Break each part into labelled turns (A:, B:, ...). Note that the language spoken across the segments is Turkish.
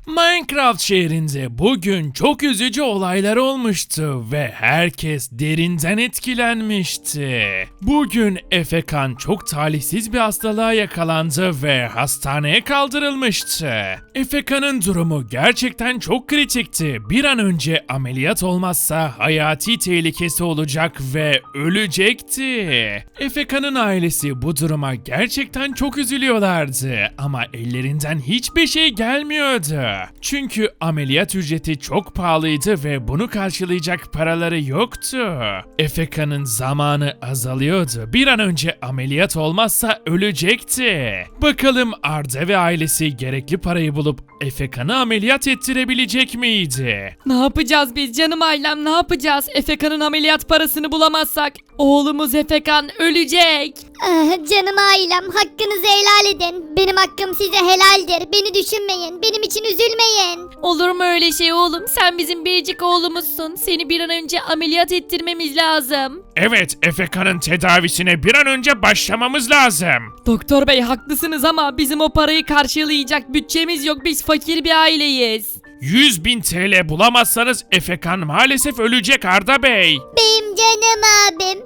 A: Minecraft şehrinde bugün çok üzücü olaylar olmuştu ve herkes derinden etkilenmişti. Bugün Efekan çok talihsiz bir hastalığa yakalandı ve hastaneye kaldırılmıştı. Efekan'ın durumu gerçekten çok kritikti. Bir an önce ameliyat olmazsa hayati tehlikesi olacak ve ölecekti. Efekan'ın ailesi bu duruma gerçekten çok üzülüyorlardı ama ellerinden hiçbir şey gelmiyordu. Çünkü ameliyat ücreti çok pahalıydı ve bunu karşılayacak paraları yoktu. Efekan'ın zamanı azalıyordu. Bir an önce ameliyat olmazsa ölecekti. Bakalım Arda ve ailesi gerekli parayı bulup Efekan'ı ameliyat ettirebilecek miydi?
B: Ne yapacağız biz canım ailem, ne yapacağız? Efekan'ın ameliyat parasını bulamazsak oğlumuz Efekan ölecek.
C: Canım ailem, hakkınızı helal edin. Benim hakkım size helaldir. Beni düşünmeyin. Benim için üzülmeyin.
B: Olur mu öyle şey oğlum? Sen bizim biricik oğlumuzsun. Seni bir an önce ameliyat ettirmemiz lazım.
A: Evet, Efekan'ın tedavisine bir an önce başlamamız lazım.
B: Doktor bey haklısınız ama bizim o parayı karşılayacak bütçemiz yok. Biz fakir bir aileyiz.
A: 100.000 TL bulamazsanız Efekan maalesef ölecek Arda Bey.
C: Benim canım abim.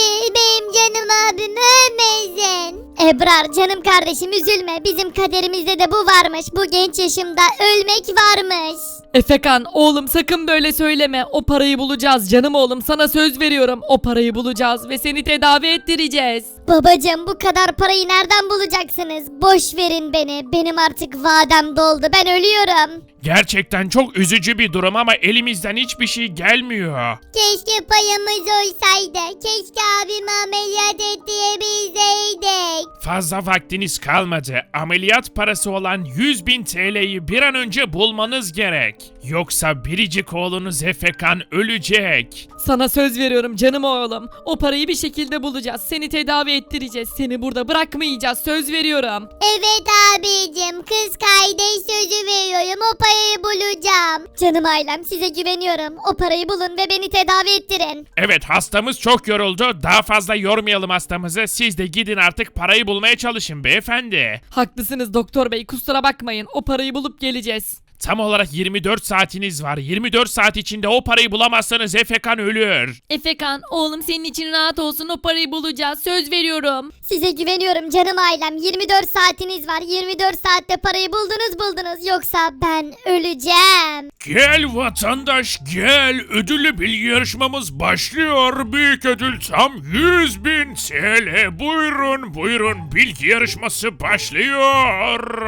C: Benim canım abim ölmesin. Ebrar canım kardeşim, üzülme. Bizim kaderimizde de bu varmış. Bu genç yaşımda ölmek varmış.
B: Efekan oğlum sakın böyle söyleme. O parayı bulacağız canım oğlum. Sana söz veriyorum. O parayı bulacağız ve seni tedavi ettireceğiz.
C: Babacım, bu kadar parayı nereden bulacaksınız? Boş verin beni. Benim artık vadem doldu. Ben ölüyorum.
A: Gerçekten çok üzücü bir durum ama elimizden hiçbir şey gelmiyor.
C: Keşke payımız olsaydı. Keşke abimi ameliyat ettirebilseydik.
A: Fazla vaktiniz kalmadı. Ameliyat parası olan 100.000 TL'yi bir an önce bulmanız gerek. Yoksa biricik oğlunuz Efekan ölecek.
B: Sana söz veriyorum canım oğlum. O parayı bir şekilde bulacağız. Seni tedavi ettireceğiz. Seni burada bırakmayacağız. Söz veriyorum.
C: Evet abicim, kız kardeş sözü veriyorum, o parayı bulacağım. Canım ailem, size güveniyorum. O parayı bulun ve beni tedavi ettirin.
A: Evet, hastamız çok yoruldu. Daha fazla yormayalım hastamızı. Siz de gidin artık parayı bulmaya çalışın beyefendi.
B: Haklısınız doktor bey, kusura bakmayın. O parayı bulup geleceğiz.
A: Tam olarak 24 saatiniz var. 24 saat içinde o parayı bulamazsanız Efekan ölür.
B: Efekan oğlum senin için rahat olsun, o parayı bulacağız. Söz veriyorum.
C: Size güveniyorum canım ailem. 24 saatiniz var. 24 saatte parayı buldunuz. Yoksa ben öleceğim.
A: Gel vatandaş gel. Ödüllü bilgi yarışmamız başlıyor. Büyük ödül tam 100.000 TL. Buyurun bilgi yarışması başlıyor.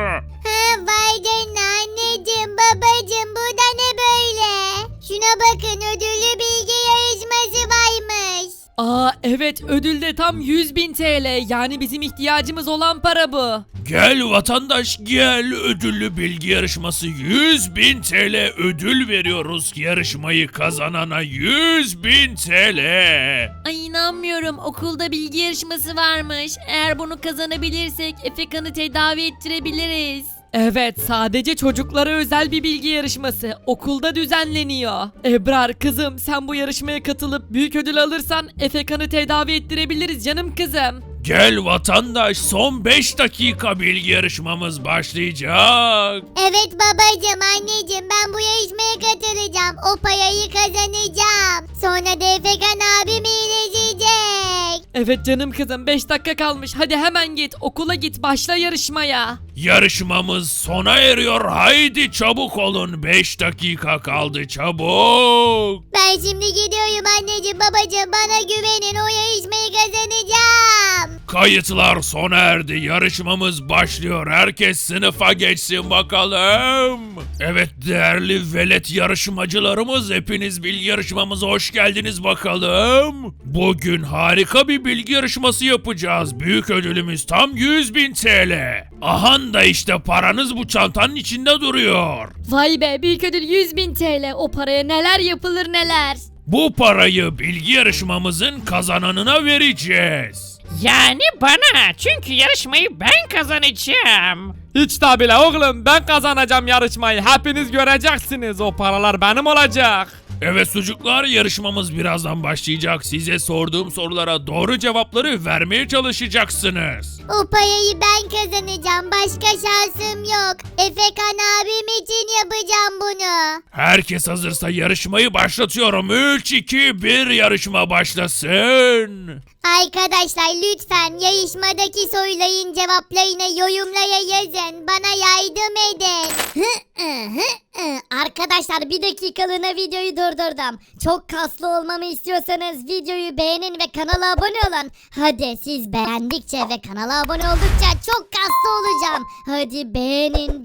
C: Vay canına anneciğim, babacığım, bu da ne böyle? Şuna bakın, ödüllü bilgi yarışması varmış.
B: Aa evet, ödülde tam 100.000 TL. Yani bizim ihtiyacımız olan para bu.
A: Gel vatandaş gel. Ödüllü bilgi yarışması 100.000 TL ödül veriyoruz. Yarışmayı kazanana 100.000 TL.
B: Ay inanmıyorum, okulda bilgi yarışması varmış. Eğer bunu kazanabilirsek Efekan'ı tedavi ettirebiliriz. Evet, sadece çocuklara özel bir bilgi yarışması. Okulda düzenleniyor. Ebrar kızım, sen bu yarışmaya katılıp büyük ödül alırsan Efekan'ı tedavi ettirebiliriz canım kızım.
A: Gel vatandaş son 5 dakika bilgi yarışmamız başlayacak.
C: Evet babacığım, anneciğim, ben bu yarışmaya katılacağım. O parayı kazanacağım. Sonra da Efekan abim iyileşecek.
B: Evet canım kızım, 5 dakika kalmış. Hadi hemen git, okula git, başla yarışmaya.
A: Yarışmamız sona eriyor. Haydi çabuk olun. 5 dakika kaldı çabuk.
C: Ben şimdi gidiyorum anneciğim, babacığım, bana güvenin, o yarışmayı kazanacağım.
A: Kayıtlar sona erdi. Yarışmamız başlıyor. Herkes sınıfa geçsin bakalım. Evet değerli velet yarışmacılarımız, hepiniz bilgi yarışmamıza hoş geldiniz bakalım. Bugün harika bir bilgi yarışması yapacağız. Büyük ödülümüz tam 100.000 TL. Ahan da işte paranız bu çantanın içinde duruyor.
B: Vay be, büyük ödül 100.000 TL. O paraya neler yapılır neler.
A: Bu parayı bilgi yarışmamızın kazananına vereceğiz.
D: Yani bana, çünkü yarışmayı ben kazanacağım.
E: Hiç de bile oğlum, ben kazanacağım yarışmayı. Hepiniz göreceksiniz, o paralar benim olacak.
A: Evet çocuklar, yarışmamız birazdan başlayacak. Size sorduğum sorulara doğru cevapları vermeye çalışacaksınız.
C: O parayı ben kazanacağım. Başka şansım yok. Efekan abim için yapacağım bunu.
A: Herkes hazırsa yarışmayı başlatıyorum. 3, 2, 1 yarışma başlasın.
C: Arkadaşlar lütfen yarışmadaki soruların cevaplarını yorumlara yazın. Bana yardım edin. Arkadaşlar bir dakikalığına videoyu durdurdum. Çok kaslı olmamı istiyorsanız videoyu beğenin ve kanala abone olun. Hadi siz beğendikçe ve kanala abone oldukça çok kaslı olacağım. Hadi beğenin.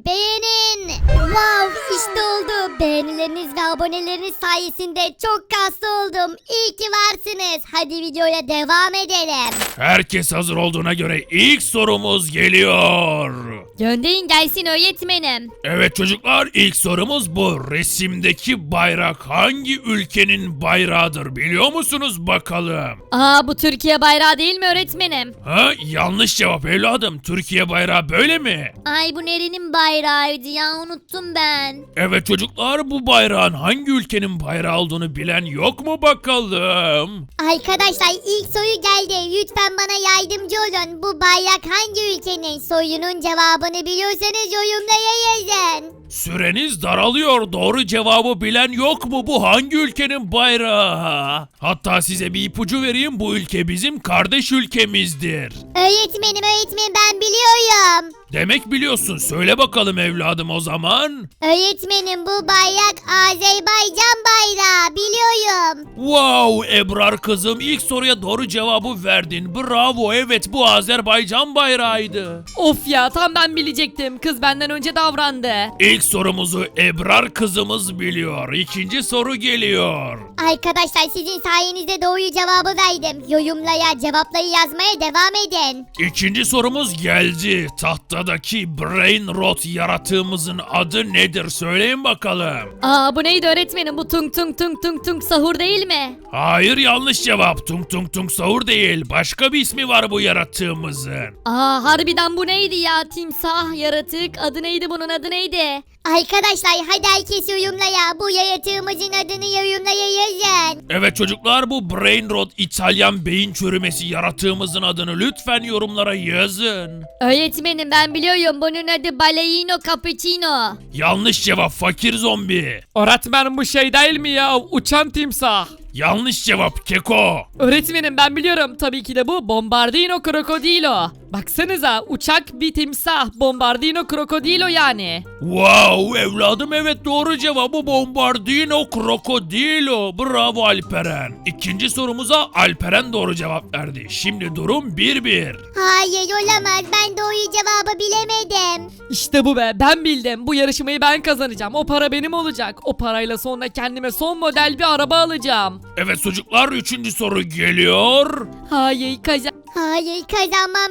C: Wow, işte oldu. Beğenileriniz ve aboneleriniz sayesinde çok kaslı oldum. İyi ki varsınız. Hadi videoya devam edelim.
A: Herkes hazır olduğuna göre ilk sorumuz geliyor.
B: Gönderin gelsin öğretmenim.
A: Evet çocuklar, ilk sorumuz bu. Resimdeki bayrak hangi ülkenin bayrağıdır biliyor musunuz bakalım?
B: Aa, bu Türkiye bayrağı değil mi öğretmenim?
A: Ha, yanlış cevap evladım. Türkiye bayrağı böyle mi?
B: Ay, bu nerenin bayrağıydı ya, unuttum ben.
A: Evet çocuklar, bu bayrağın hangi ülkenin bayrağı olduğunu bilen yok mu bakalım?
C: Arkadaşlar ilk soru geldi. Lütfen bana yardımcı olun. Bu bayrak hangi ülkenin? Sorunun cevabını biliyorsanız yorumlara yazın.
A: Süreniz daralıyor. Doğru cevabı bilen yok mu? Bu hangi ülkenin bayrağı? Hatta size bir ipucu vereyim. Bu ülke bizim kardeş ülkemizdir.
C: Öğretmenim ben biliyorum.
A: Demek biliyorsun. Söyle bakalım evladım o zaman.
C: Öğretmenim bu bayrak Azerbaycan bayrağı biliyorum.
A: Wow Ebrar kızım, ilk soruya doğru cevabı verdin. Bravo, evet bu Azerbaycan bayrağıydı.
B: Of ya, tam ben bilecektim. Kız benden önce davrandı.
A: İlk sorumuzu Ebrar kızımız biliyor. İkinci soru geliyor.
C: Arkadaşlar sizin sayenizde doğru cevabı verdim. Yorumlara cevapları yazmaya devam edin.
A: İkinci sorumuz geldi. Tahtadaki Brain Rot yaratığımızın adı nedir? Söyleyin bakalım.
B: Aa, bu neydi öğretmenim? Bu tung tung tung tung tung sahur değil mi?
A: Hayır, yanlış cevap. Tung tung tung sahur değil. Başka bir ismi var bu yaratığımızın.
B: Aa, harbiden bu neydi ya? Timsah, yaratık, adı neydi, bunun adı neydi?
C: Arkadaşlar hadi herkes yorumlara. Bu yaratığımızın adını yorumlara yazın.
A: Evet çocuklar, bu Brain Rot İtalyan beyin çürümesi yaratığımızın adını lütfen yorumlara yazın.
B: Öğretmenim ben biliyorum, bunun adı Baleino Cappuccino.
A: Yanlış cevap, fakir zombi.
E: Öğretmenim bu şey değil mi ya? Uçan timsah.
A: Yanlış cevap, keko.
E: Öğretmenim ben biliyorum. Tabii ki de bu Bombardino Crocodilo. Baksanıza, uçak bir timsah. Bombardino Crocodilo yani.
A: Wow evladım, evet doğru cevabı Bombardino Crocodilo. Bravo Alperen. İkinci sorumuza Alperen doğru cevap verdi. Şimdi durum 1-1.
C: Hayır olamaz. Ben doğru cevabı bilemedim.
E: İşte bu be, ben bildim. Bu yarışmayı ben kazanacağım. O para benim olacak. O parayla sonra kendime son model bir araba alacağım.
A: Evet çocuklar, üçüncü soru geliyor.
E: Hayır
C: Hayır kazanmam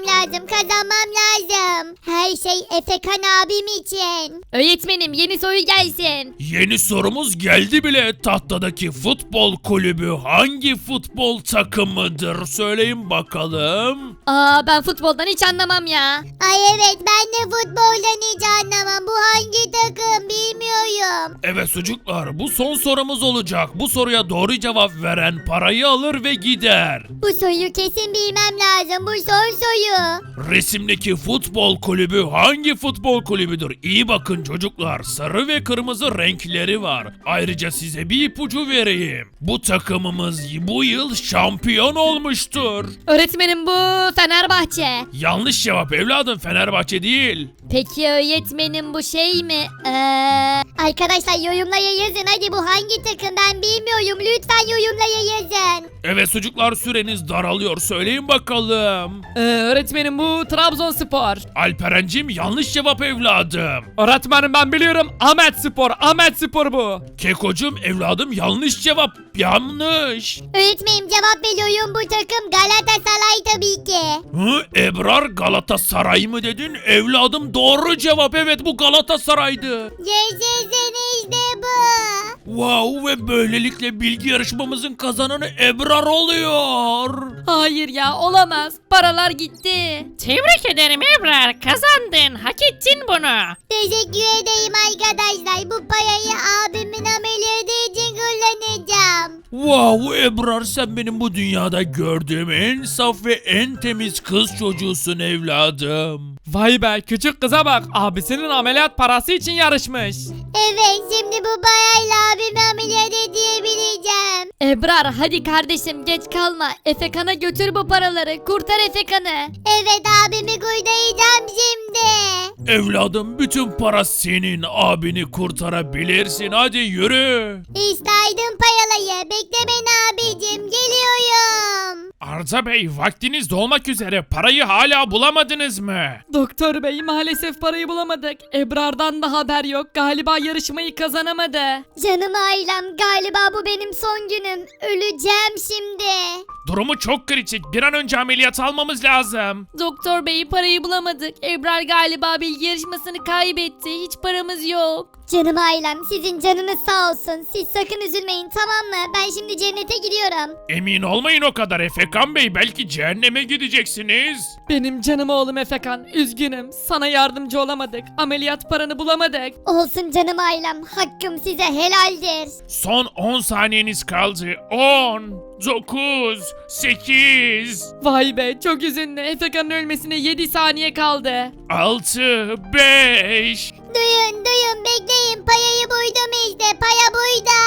C: lazım. Her şey Efekan abim için.
B: Öğretmenim yeni soru gelsin.
A: Yeni sorumuz geldi bile. Tahtadaki futbol kulübü hangi futbol takımıdır? Söyleyin bakalım.
B: Aa, ben futboldan hiç anlamam ya.
C: Ay evet ben de futboldan hiç anlamam. Bu hangi takım bilmiyorum.
A: Evet çocuklar, bu son sorumuz olacak. Bu soruya doğru cevap veren parayı alır ve gider.
C: Bu soruyu kesin bilmem lazım. Bu son soru.
A: Resimdeki futbol kulübü hangi futbol kulübüdür? İyi bakın çocuklar, sarı ve kırmızı renkleri var. Ayrıca size bir ipucu vereyim. Bu takımımız bu yıl şampiyon olmuştur.
B: Öğretmenim bu Fenerbahçe.
A: Yanlış cevap evladım, Fenerbahçe değil.
B: Peki öğretmenim bu şey mi?
C: Arkadaşlar yorumlara yazın. Hadi bu hangi takım ben bilmiyorum. Lütfen yorumlara yazın.
A: Evet çocuklar, süreniz daralıyor. Söyleyin bakalım.
E: öğretmenim bu Trabzonspor.
A: Alperencim yanlış cevap evladım.
E: Öğretmenim ben biliyorum. Ahmet Spor bu.
A: Kekocum evladım, yanlış cevap. Yanlış.
C: Öğretmenim cevap veriyorum. Bu takım Galatasaray tabii ki.
A: Hı, Ebrar Galatasaray mı dedin? Evladım doğru cevap, evet bu Galatasaray'dı.
C: Yaşasın işte bu.
A: Wow, ve böylelikle bilgi yarışmamızın kazananı Ebrar oluyor.
B: Hayır ya, olamaz. Paralar gitti.
D: Tebrik ederim Ebrar, kazandın, hak ettin bunu.
C: Teşekkür ederim arkadaşlar. Bu parayı abimin ameliyatı için kullanacağım.
A: Wow Ebrar, sen benim bu dünyada gördüğüm en saf ve en temiz kız çocuğusun evladım.
E: Vay be, küçük kıza bak, abisinin ameliyat parası için yarışmış.
C: Evet, şimdi bu parayla abimi ameliyat edebileceğim.
B: Ebrar hadi kardeşim geç kalma. Efekan'a götür bu paraları. Kurtar Efekan'ı.
C: Evet, abimi kurtaracağım şimdi.
A: Evladım, bütün para senin, abini kurtarabilirsin, hadi yürü.
C: İşte aydın payalayı. Bekle beni abicim, geliyorum.
A: Arda Bey, vaktiniz dolmak üzere, parayı hala bulamadınız mı?
E: Doktor bey, maalesef parayı bulamadık. Ebrar'dan da haber yok, galiba yarışmayı kazanamadı.
C: Canım ailem, galiba bu benim son günüm. Öleceğim şimdi.
A: Durumu çok kritik, bir an önce ameliyat almamız lazım.
B: Doktor bey parayı bulamadık. Ebrar galiba bilgi yarışmasını kaybetti. Hiç paramız yok.
C: Canım ailem, sizin canınız sağ olsun. Siz sakın üzülmeyin, tamam mı? Ben şimdi cennete gidiyorum.
A: Emin olmayın o kadar Efekan Bey, belki cehenneme gideceksiniz.
E: Benim canım oğlum Efekan, üzgünüm. Sana yardımcı olamadık. Ameliyat paranı bulamadık.
C: Olsun canım ailem, hakkım size helaldir.
A: Son 10 saniyeniz kaldı. 10, 9, 8,
E: Vay be, çok üzünlü. Efekan'ın ölmesine 7 saniye kaldı.
A: 6, 5.
C: Duyun, bekleyin. Payayı buydum işte, paya buyda.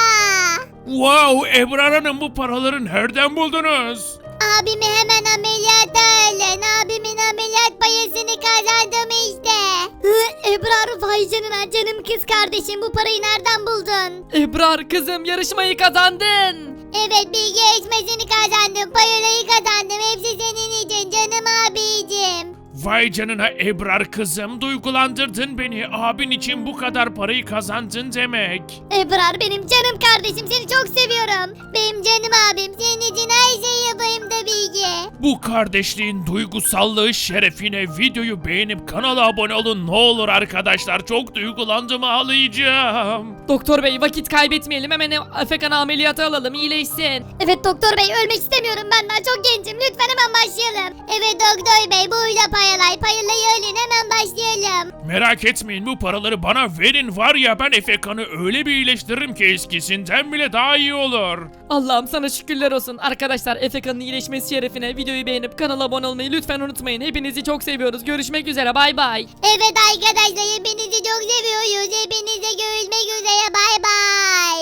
A: Wow Ebrar Hanım, bu paraları nereden buldunuz?
C: Abimi hemen ameliyata alın. Abimin ameliyat payasını kazandım işte. Ebrar, vay canına, canım kız kardeşim, bu parayı nereden buldun?
E: Ebrar kızım, yarışmayı kazandın.
C: Evet, bilgi yarışmasını kazandım. Payolayı kazandım. Hepsi senin için canım abicim.
A: Vay canına Ebrar kızım, duygulandırdın beni. Abin için bu kadar parayı kazandın demek.
C: Ebrar benim canım kardeşim, seni çok seviyorum. Benim canım abim, senin için her şeyi yapayım tabii ki.
A: Bu kardeşliğin duygusallığı şerefine videoyu beğenip kanala abone olun ne olur arkadaşlar. Çok duygulandım, ağlayacağım.
E: Doktor bey, vakit kaybetmeyelim, hemen Efekan'ı ameliyata alalım, iyileşsin.
C: Evet doktor bey, ölmek istemiyorum, ben daha çok gencim. Lütfen hemen başlayalım. Evet doktor bey, burada payalayı ölün, hemen başlayalım.
A: Merak etmeyin, bu paraları bana verin, var ya ben Efekan'ı öyle bir iyileştiririm ki eskisinden bile daha iyi olur.
E: Allah'ım sana şükürler olsun. Arkadaşlar, Efekan'ın iyileşmesi şerefine videoyu beğenip kanala abone olmayı lütfen unutmayın. Hepinizi çok seviyoruz. Görüşmek üzere, bay bay.
C: Evet arkadaşlar, hepinizi çok seviyoruz. Hepinize görüşmek üzere, bay bay.